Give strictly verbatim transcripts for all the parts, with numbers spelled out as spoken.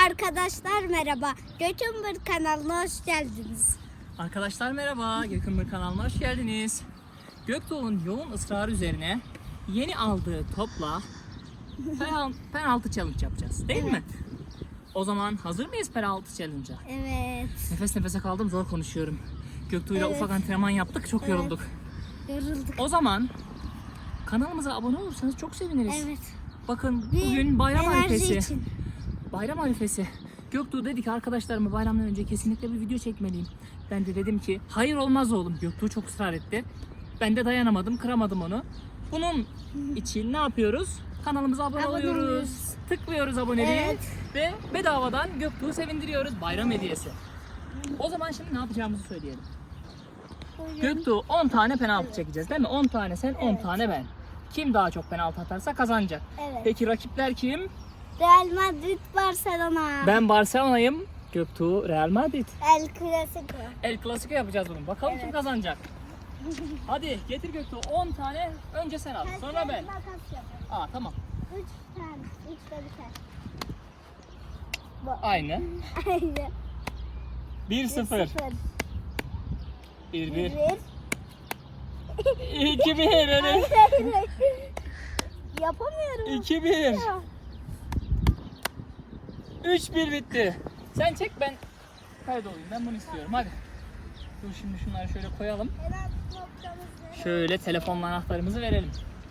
Arkadaşlar merhaba. Gökümbür kanalına hoş geldiniz. Arkadaşlar merhaba, Gökümbür kanalına hoş geldiniz. Göktuğ'un yoğun ısrarı üzerine yeni aldığı topla penal- penaltı challenge yapacağız, değil mi? O zaman hazır mıyız penaltı challenge'a? Evet. Nefes nefese kaldım, zor konuşuyorum. Göktuğ'yla Evet. ufak antrenman yaptık, çok Evet. yorulduk. Yorulduk. O zaman kanalımıza abone olursanız çok seviniriz. Evet. Bakın Bir bugün bayram enerji arifesi. için. Bayram arifesi. Göktuğ dedi ki arkadaşlarıma bayramdan önce kesinlikle bir video çekmeliyim. Ben de dedim ki hayır olmaz oğlum. Göktuğ çok ısrar etti. Ben de dayanamadım, kıramadım onu. Bunun için ne yapıyoruz? Kanalımıza abone, Abone oluyoruz. oluyoruz. Tıklıyoruz aboneliği Evet. ve bedavadan Göktuğ'u sevindiriyoruz. Bayram hediyesi. O zaman şimdi ne yapacağımızı söyleyelim. Bugün Göktuğ on tane penaltı çekeceğiz değil mi? on tane sen, on Evet. tane ben. Kim daha çok penaltı atarsa kazanacak. Evet. Peki rakipler kim? Real Madrid Barcelona. Ben Barcelona'yım. Göktuğ Real Madrid. El Clasico. El Clasico yapacağız bunu. Bakalım Evet. kim kazanacak. Hadi getir Göktuğ on tane. Önce sen al. Sonra ben. Makas yapalım. Aa tamam. Üç tane. Üç de biter. Aynı. Aynen. bir sıfır. Sıfır. bir Bir. bir. iki bir. Öyle. Yapamıyorum. iki bir. üç bir bitti. Sen çek ben kaydolayım. Ben bunu istiyorum. Hadi. Dur şimdi şunları şöyle koyalım. Şöyle telefonla anahtarımızı verelim.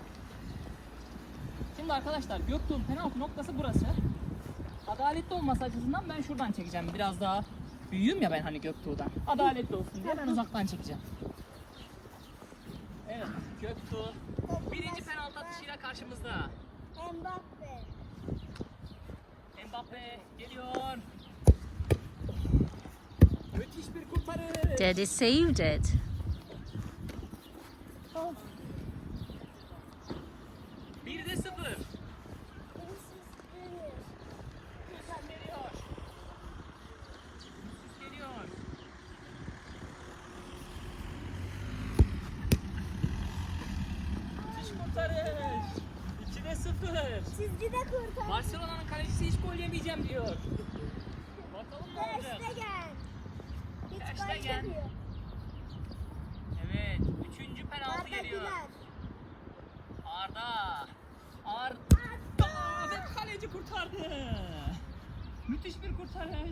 Şimdi arkadaşlar Göktuğ'un penaltı noktası burası. Adaletli olması açısından ben şuradan çekeceğim. Biraz daha büyüğüm ya ben hani Göktuğ'dan. Adaletli olsun diye ben uzaktan çekeceğim. Evet Göktuğ birinci penaltı atışıyla karşımızda. Mbappe. Mbappe geliyor. Müthiş bir kurtarış. Daddy saved it. Oh. bir de sıfır. Yusuf geliyor. Yusuf geliyor. Müthiş kurtarış. iki de sıfır. Çizgide kurtar. Barcelona'nın kalecisi hiç gol yemeyeceğim diyor. Bakalım ne olacak. Stegen. Hiç Ter gol Stegen. yemiyor. Evet, üçüncü penaltı Arda geliyor. Güler. Arda. Arda. Ve kaleci kurtardı. Müthiş bir kurtarış.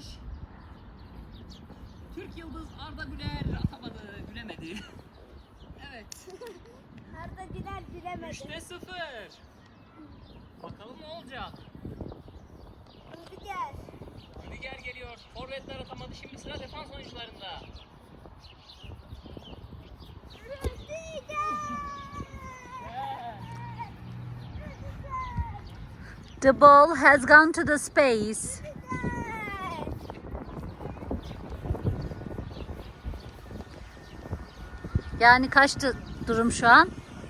Türk Yıldız Arda Güler atamadı, gülemedi. Evet. Arda Güler bilemedi. üçte sıfır. Bakalım ne olacak. Rüdiger. Rüdiger geliyor. Forvetler atamadı. Şimdi sıra defans oyuncularında. Rüdiger. The ball has gone to the space. Yani kaçtı durum şu an?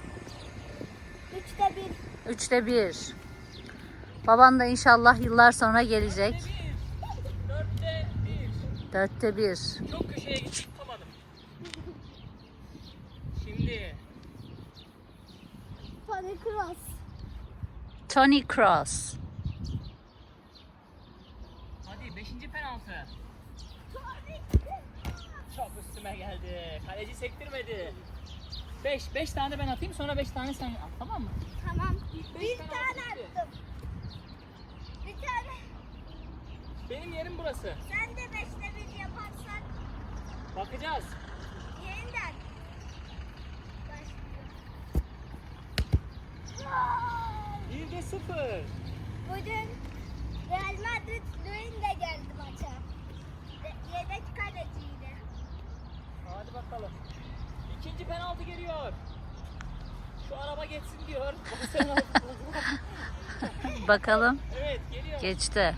Üçte bir. Üçte bir. Baban da inşallah yıllar sonra gelecek. Dörtte bir. Dörtte bir. Çok köşeye gittim, tutamadım. Şimdi Toni Kroos. Toni Kroos. hadi beşinci penaltı. Çok üstüme geldi. Kaleci sektirmedi. beş. beş tane ben atayım sonra beş tane sen at, tamam mı? Tamam. beş Bir penaltı tane gitti. attım. Bir tane. Benim yerim burası. Sen de beşte bir yaparsan Bakacağız. yeniden. bir de sıfır. Bugün Real Madrid Luin de geldi maça. Ye- Yedek kaleciydi. Hadi bakalım. İkinci penaltı geliyor. Şu araba geçsin diyor. Barcelona futbolcular. Bakalım. Evet geliyor. Geçti.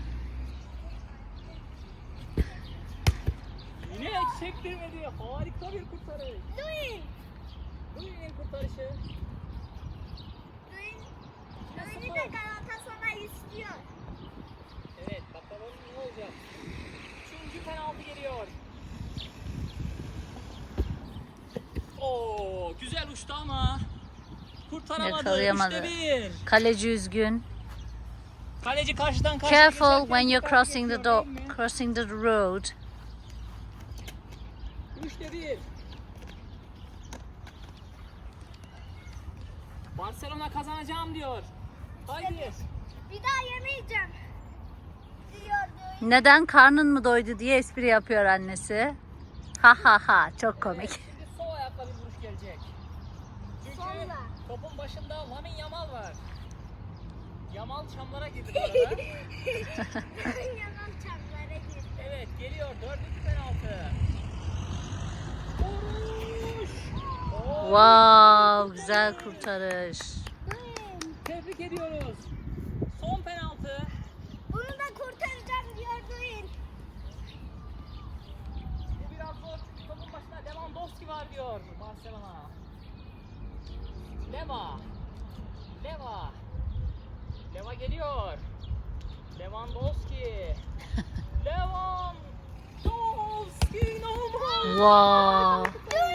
Yine sektirmedi. Harika bir kurtarış. Luin. Luin'in kurtarışı. Luin. Luin'i de Galatasaray istiyor. Evet bakalım ne olacak. Üçüncü penaltı geliyor. Oo güzel uçtu ama kurtaramadı. Yakalayamadı. Üçte bir. Kaleci üzgün. Kaleci karşıdan karşıya Careful geçerken when you're dikkat crossing the geçiyor, door, değil mi? crossing the road. Üçte bir. Barcelona kazanacağım diyor. Haydi. Bir daha yemeyeceğim. Diyordu. Neden, karnın mı doydu diye espri yapıyor annesi. Ha ha ha, çok komik. Evet, şimdi sol ayakla bir vuruş gelecek. Çünkü Solla. topun başında Lamin Yamal var. Yamal çamlara girdi bu arada. Yalan çamlara girdi. Evet, geliyor dördüncü penaltı. Vuruş. Oo, Wow, güzel kurtarış. Duyun. Tebrik ediyoruz. Son penaltı. Bunu da kurtaracağım diyor Duyun. Bu biraz zor çünkü topun başında Lewandowski var diyor Barcelona. Leva. Leva. Leva geliyor. Lewandowski. Lewandowski inanılmaz. Wow.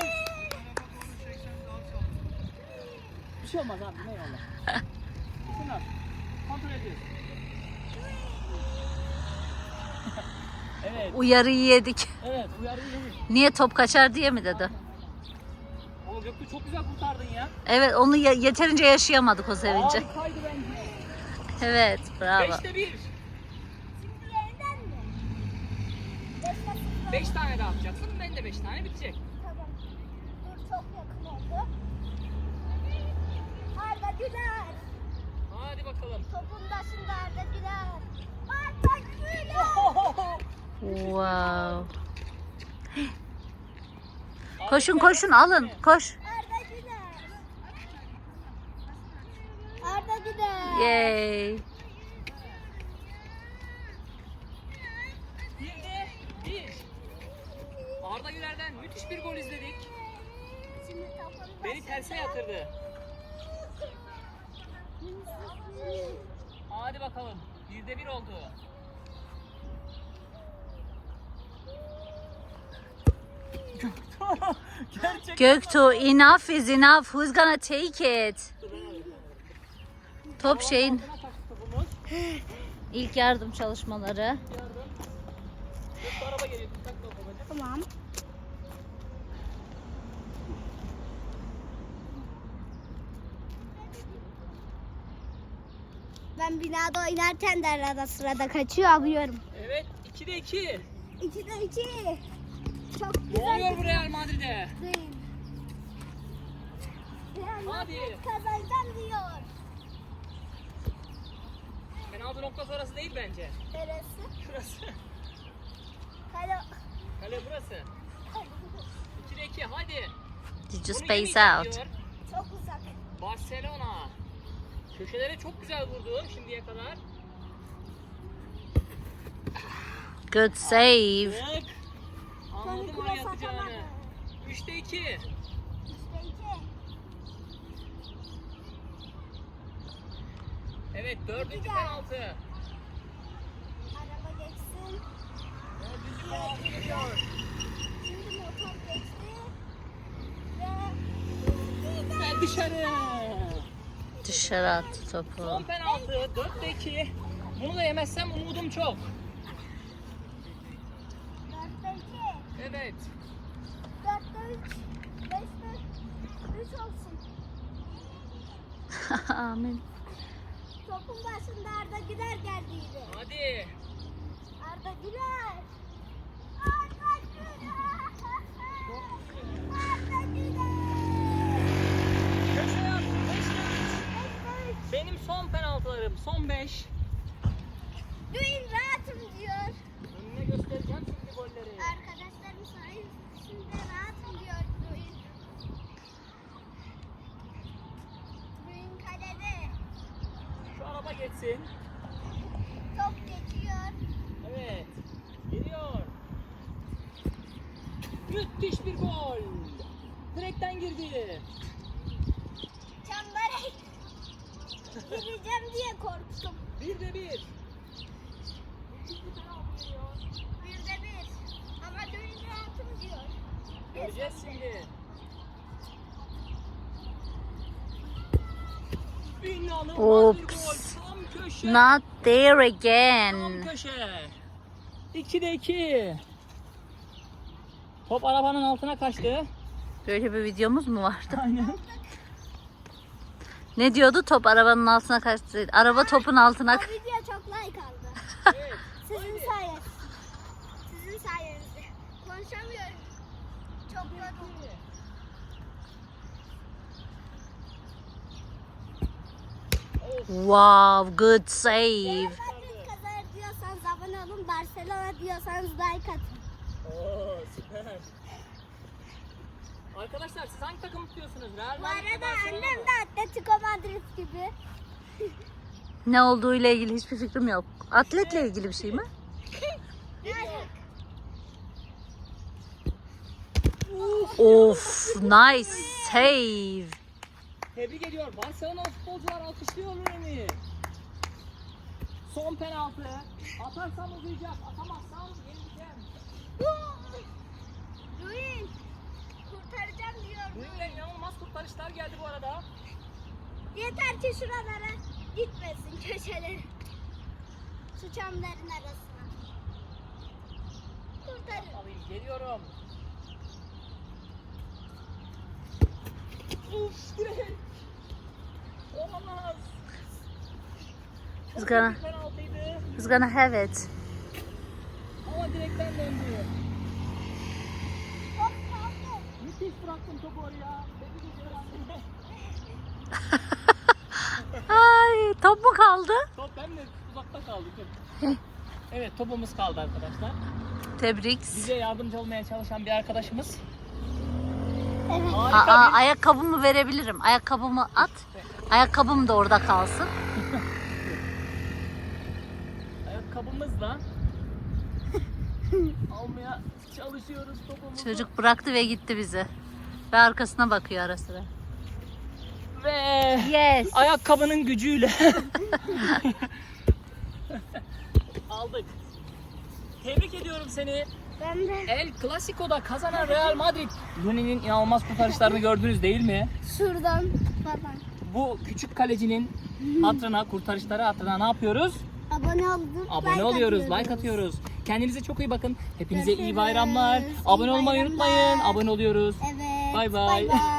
Bir şey olmaz abi, ne yolla. Şunlar. Kontrol ediyoruz. Evet. Uyarıyı yedik. Evet, uyarıyı yedik. Niye, top kaçar diye mi dedi? O Göktuğ çok güzel kurtardın ya. Evet, onu ye- yeterince yaşayamadık o sevinci. Harikaydı bence. Evet, bravo. Beşte bir. Şimdi yeniden mi? Beş dakika. Beş tane daha atacaksın. Ben de beş tane bitecek. Tamam. Dur, çok yakın oldu. Arda Güler. Hadi bakalım. Topun başında Arda Güler. Arda Güler. Wow. Koşun koşun, alın, koş. Arda Güler. Arda Güler. Yay. Bir de bir. Arda Güler'den müthiş bir gol izledik. Şimdi topun Beni terse yatırdı. Hadi bakalım. Birde bir oldu. Gerçekten. Göktuğ, enough is enough. Who's gonna take it? Top şeyin Altına kaçtı topumuz. ilk yardım çalışmaları. Yardım. Göktuğ araba geliyor. Dikkatli ol babacığım. Tamam. Ben binada oynarken de arada sırada kaçıyor alıyorum. Evet. ikide iki. İkide iki. Çok Ne güzel. oluyor bu Real Madrid'e? Değil. Real Hadi. Madrid kazanacağım diyor. Penaltı noktası orası değil bence. Neresi? Şurası. Kale. Kale burası. ikide iki. Hadi. Did you Bunu space yemeyeceğim out? diyor. Çok uzak. Barcelona. Köşelere çok güzel vurdu şimdiye kadar. Good save. Tık. Anladım Seni oraya cross atacağını. atamadı. üçte iki. İşte iki. Evet, dördüncü Güzel. penaltı. Araba geçsin. Dördüncü penaltı geliyor. Şimdi motor geçti. Ve Ben dışarı. Dışarı attı topu. Son penaltı. dörtte iki. Bunu da yemezsem umudum çok. dörtte iki. Evet. dörtte üç. beşte üç olsun. Amin. Topun başında Arda Güler geldiydi. Hadi. Arda Güler. Arda Güler. Arda Güler. Köşeye at. beşte üç. beşte üç. Benim son penaltılarım. Son beş. Duyun rahatım diyor. Önüne göstereceğim şimdi golleri. Arkadaşlarım sayesinde rahatım diyor Duyun. Duyun kalede. Şu araba geçsin. Top geçiyor. Evet. Geliyor. Müthiş bir gol. Direkten girdi. Çembere gireceğim diye korktum. Bir de bir. Müthiş bir penaltı geliyor. Bir de bir. Ama Duyun rahatım diyor. Göreceğiz şimdi. İnanılmaz bir gol. Oops. Tam köşe. Not there Tam again. köşe. ikide iki. Top arabanın altına kaçtı. Böyle bir videomuz mu vardı? Aynen. Ne diyordu? Top arabanın altına kaçtı. Araba topun altına O kaçtı. video çok like aldı. Evet. Sizin sayenizde. Sizin sayenizde. Konuşamıyorum. Çok yoruldum. Wow, good save. Real Madrid kazanır diyorsanız abone olun. Barcelona diyorsanız like atın. Oo, süper. Arkadaşlar siz hangi takım tutuyorsunuz? Real Bu Madrid mi, arada Barcelona annem mı? de Atletico Madrid gibi. Ne olduğu ile ilgili hiçbir fikrim yok. Atletle ilgili bir şey mi? Of, nice save. Tebrik ediyor. Barcelona futbolcular alkışlıyor Rooney'i. Son penaltı. Atarsam uzayacak. Atamazsam yenileceğim. Ruin. Kurtaracağım diyor. Rooney'den inanılmaz kurtarışlar geldi bu arada. Yeter ki şuralara gitmesin köşeleri. Şu çamların arasına. Kurtarın. Alayım geliyorum. Uf direkt. Olamaz. He's gonna, Bir penaltıydı. he's gonna have it. Ama direkten döndü. Hop kaldı. Müthiş bıraktım topu oraya. Tebrik ediyorum. Ay, top mu kaldı? Top ben de uzakta kaldı. Evet topumuz kaldı arkadaşlar. Tebrik. Bize yardımcı olmaya çalışan bir arkadaşımız. Evet. Harika Aa, bir ayakkabımı verebilirim. Ayakkabımı at. Ayakkabım da orada kalsın. ayakkabımızla almaya çalışıyoruz topumuzu. Çocuk bıraktı ve gitti bizi. Ve arkasına bakıyor ara sıra. Ve Yes. ayakkabının gücüyle aldık. Tebrik ediyorum seni. Ben de El Clasico'da kazanan Real Madrid. Rooney'nin inanılmaz kurtarışlarını gördünüz değil mi? şuradan falan. Bu küçük kalecinin hatırına, kurtarışları hatırına ne yapıyoruz? Abone olduk. Abone like oluyoruz, atıyoruz. like atıyoruz. Kendinize çok iyi bakın. Hepinize iyi Görüşürüz. bayramlar. İyi Abone olmayı bayramlar. unutmayın. Abone oluyoruz. Evet. Bay bay. Bay bay.